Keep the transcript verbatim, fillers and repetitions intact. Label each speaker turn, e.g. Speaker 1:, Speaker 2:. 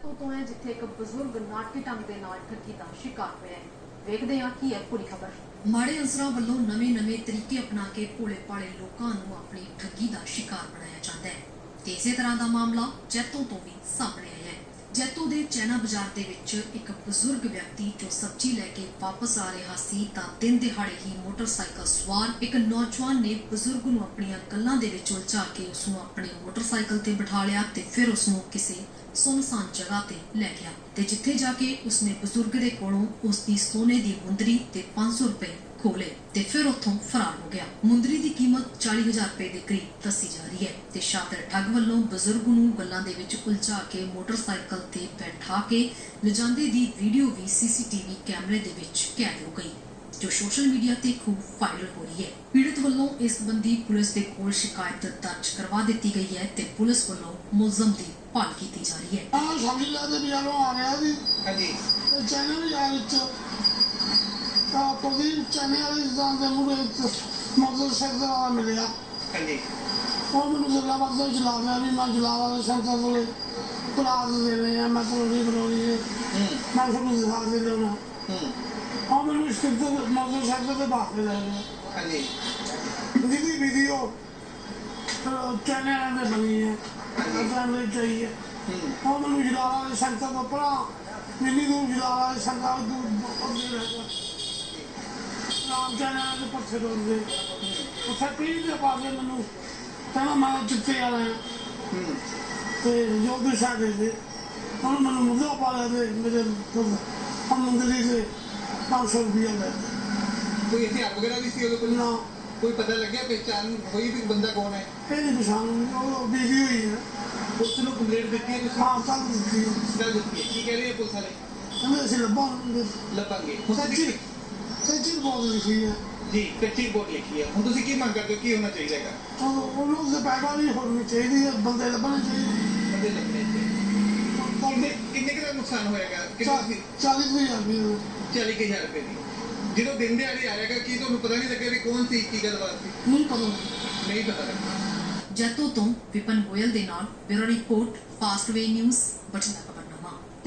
Speaker 1: ਤੋਂ ਹੈ ਜਿੱਥੇ ਇੱਕ ਬਜ਼ੁਰਗ ਨਾਟਕੀ ਢੰਗ ਦੇ ਨਾਲ ਠੱਗੀ ਦਾ ਸ਼ਿਕਾਰ ਹੋਇਆ ਹੈ। ਵੇਖਦੇ ਹਾਂ ਕੀ ਹੈ ਪੂਰੀ ਖਬਰ।
Speaker 2: ਮਾੜੇ ਅੰਸਰਾਂ ਵੱਲੋਂ ਨਵੇਂ-ਨਵੇਂ ਤਰੀਕੇ ਅਪਣਾ ਕੇ ਭੋਲੇ-ਭਾਲੇ ਲੋਕਾਂ ਨੂੰ ਆਪਣੀ ਠੱਗੀ ਦਾ ਸ਼ਿਕਾਰ ਬਣਾਇਆ ਜਾਂਦਾ ਹੈ ਤੇ ਇਸੇ ਤਰ੍ਹਾਂ ਦਾ ਮਾਮਲਾ ਜੈਤੋ ਤੋਂ ਵੀ ਸਾਹਮਣੇ ਆਇਆ ਹੈ। ਜੈਤੋ ਦੇ ਚੈਨਾ ਬਾਜ਼ਾਰ ਦੇ ਵਿੱਚ ਇੱਕ ਬਜ਼ੁਰਗ ਵਿਅਕਤੀ ਜੋ ਸਬਜ਼ੀ ਲੈ ਕੇ ਵਾਪਸ ਆ ਰਿਹਾ ਸੀ ਤਾਂ ਦਿਨ ਦਿਹਾੜੇ ਹੀ ਮੋਟਰਸਾਈਕਲ ਸਵਾਰ ਇੱਕ ਨੌਜਵਾਨ ਨੇ ਬਜ਼ੁਰਗ ਨੂੰ ਆਪਣੀਆਂ ਗੱਲਾਂ ਦੇ ਵਿੱਚ ਉਲਝਾ ਕੇ ਉਸ ਨੂੰ ਆਪਣੇ ਮੋਟਰਸਾਈਕਲ ਤੇ ਬਿਠਾ ਲਿਆ ਤੇ ਫਿਰ ਉਸ ਨੂੰ ਕਿਸੇ ਸੁੰਨਸਾਨ ਜਗ੍ਹਾ ਤੇ ਲੈ ਗਿਆ ਤੇ ਜਿੱਥੇ ਜਾ ਕੇ ਉਸਨੇ ਬਜ਼ੁਰਗ ਦੇ ਕੋਲੋਂ ਉਸ ਦੀ ਸੋਨੇ ਦੀ ਮੁੰਦਰੀ ਤੇ ਪੰਜ ਸੌ ਰੁਪਏ ਖੋਲੇ ਤੇ ਫਿਰ ਉੱਥੋਂ ਫਰਾਰ ਹੋ ਗਿਆ। ਮੁੰਦਰੀ ਦੀ ਕੀਮਤ ਚਾਲੀ ਹਜ਼ਾਰ ਰੁਪਏ ਦੇ ਕਰੀਬ ਦੱਸੀ ਜਾ ਰਹੀ ਹੈ ਤੇ ਸ਼ਾਤਰ ਠੱਗ ਵੱਲੋਂ ਬਜ਼ੁਰਗ ਨੂੰ ਗੱਲਾਂ ਦੇ ਵਿੱਚ ਉਲਝਾ ਕੇ ਮੋਟਰਸਾਈਕਲ ਤੇ ਬੈਠਾ ਕੇ ਲਿਜਾਂਦੇ ਦੀ ਵੀਡੀਓ ਵੀ ਸੀਸੀਟੀਵੀ ਕੈਮਰੇ ਦੇ ਵਿੱਚ ਕੈਦ ਹੋ ਗਈ ਜੋ ਸੋਸ਼ਲ ਮੀਡੀਆ ਤੇ ਖੂਬ ਵਾਇਰਲ ਹੋ ਰਹੀ ਹੈ। ਪੀੜਤ ਵੱਲੋਂ ਇਸ ਸੰਬੰਧੀ ਪੁਲਿਸ ਦੇ ਕੋਲ ਸ਼ਿਕਾਇਤ ਦਰਜ ਕਰਵਾ ਦਿੱਤੀ ਗਈ ਹੈ ਤੇ ਪੁਲਿਸ ਵੱਲੋਂ ਮੁਲਜ਼ਮ ਦੀ ਭਾਲ ਕੀਤੀ ਜਾ ਰਹੀ ਹੈ।
Speaker 3: ਹਾਂ ਸਮਝ ਲਾ ਦੇ ਬਿਆਨੋਂ ਆ ਗਿਆ ਸੀ। ਹਾਂਜੀ ਚੈਨਲ ਬਾਜ਼ਾਰ ਵਿੱਚ ਤਾਂ ਪ੍ਰਦੀਪ ਚੈਨਲ ਵਾਲੀ ਦੁਕਾਨ ਦੇ ਮੂਹਰੇ ਮੋਟਰਸਾਈਕਲ ਵਾਲਾ ਮਿਲਿਆ। ਹਾਂਜੀ ਉਹ ਮੈਨੂੰ ਗੱਲਾਂ ਬਾਤਾਂ ਚਲਾ ਰਿਹਾ ਵੀ ਮੈਂ ਜਲਾਵਾ ਦੇ ਸੈਂਟਰ ਕੋਲੇ ਪਲਾਸ ਦੇਣੇ ਆ ਮੈਂ ਕਰੋੜੀ ਕਰੋੜੀ ਮੈਂ ਸਭ ਨੂੰ ਦਿਖਾ ਦੇ ਦੇਣਾ। ਉਹ ਮੈਨੂੰ ਇਸ ਕਿਤੇ ਮੋਟਰਸਾਈਕਲ ਤੇ ਬਾਹਰ ਲੈ ਗਿਆ। ਹਾਂਜੀ ਜਿਹਦੀ ਵੀਡੀਓ ਚੈਨਲ 'ਤੇ ਬਣੀ ਹੈ ਫੈਮਿਲੀ चाहिए और मैं जलावा संस्था को पढ़ा मिली दूर जलावा संस्था दूर अगे रह गया राम चैनल के पत्थर रोड गए उत्थे पीढ़ी के पास मैनू कहना मैं चिट्टे आ रहा तो जो भी साढ़े थे उन्होंने मैनू मुद्दा पा लिया थे मेरे हम मंदिरी से पाँच सौ रुपया गए
Speaker 4: कोई हथियार वगैरह भी सी
Speaker 3: ना
Speaker 4: कोई पता लग गया पहचान हुई भी बंदा कौन है
Speaker 3: ये नहीं पहचान बीवी हुई है
Speaker 4: उसने कंप्लेंट दी है
Speaker 3: हाँ कल दी
Speaker 4: कल दी है की कह रही है पुलिस वाले
Speaker 3: हमें ऐसे लब्बा
Speaker 4: ਲੱਭਾਂਗੇ
Speaker 3: सच्ची सच्ची बहुत लिखी है
Speaker 4: ਜੀ ਕੱਚੀ ਰਿਪੋਰਟ ਲਿਖੀ ਹੈ ਹੁਣ ਤੁਸੀਂ ਕੀ ਮੰਗ ਕਰਦੇ ਹੋ ਕੀ ਹੋਣਾ ਚਾਹੀਦਾ ਹੈਗਾ
Speaker 3: तो उन्होंने से पैदा नहीं होनी चाहिए बंदे लभने चाहिए
Speaker 4: ਬੰਦੇ ਲੱਭਣੇ ਚਾਹੀਦੇ ਕਿੰਨੇ ਕਿੰਨੇ ਕੁ ਦਾ ਨੁਕਸਾਨ ਹੋਏਗਾ ਕਿੰਨੇ
Speaker 3: चालीस हजार रुपये
Speaker 4: ਚਾਲੀ ਹਜ਼ਾਰ ਰੁਪਏ ਦੀ ਜਦੋਂ ਦਿਨ ਦਿਹਾੜੇ ਆ ਜਾਏਗਾ ਕੀ ਤੁਹਾਨੂੰ ਪਤਾ ਨਹੀਂ ਲੱਗਿਆ ਵੀ ਕੌਣ ਸੀ ਕੀ ਗੱਲਬਾਤ ਸੀ
Speaker 3: नहीं पता
Speaker 4: ਨਹੀਂ ਪਤਾ ਲੱਗਾ
Speaker 2: ਜੈਤੋ ਤੋਂ ਵਿਪਨ ਗੋਇਲ ਦੇ ਨਾਲ bureau report Fastway news Bathinda.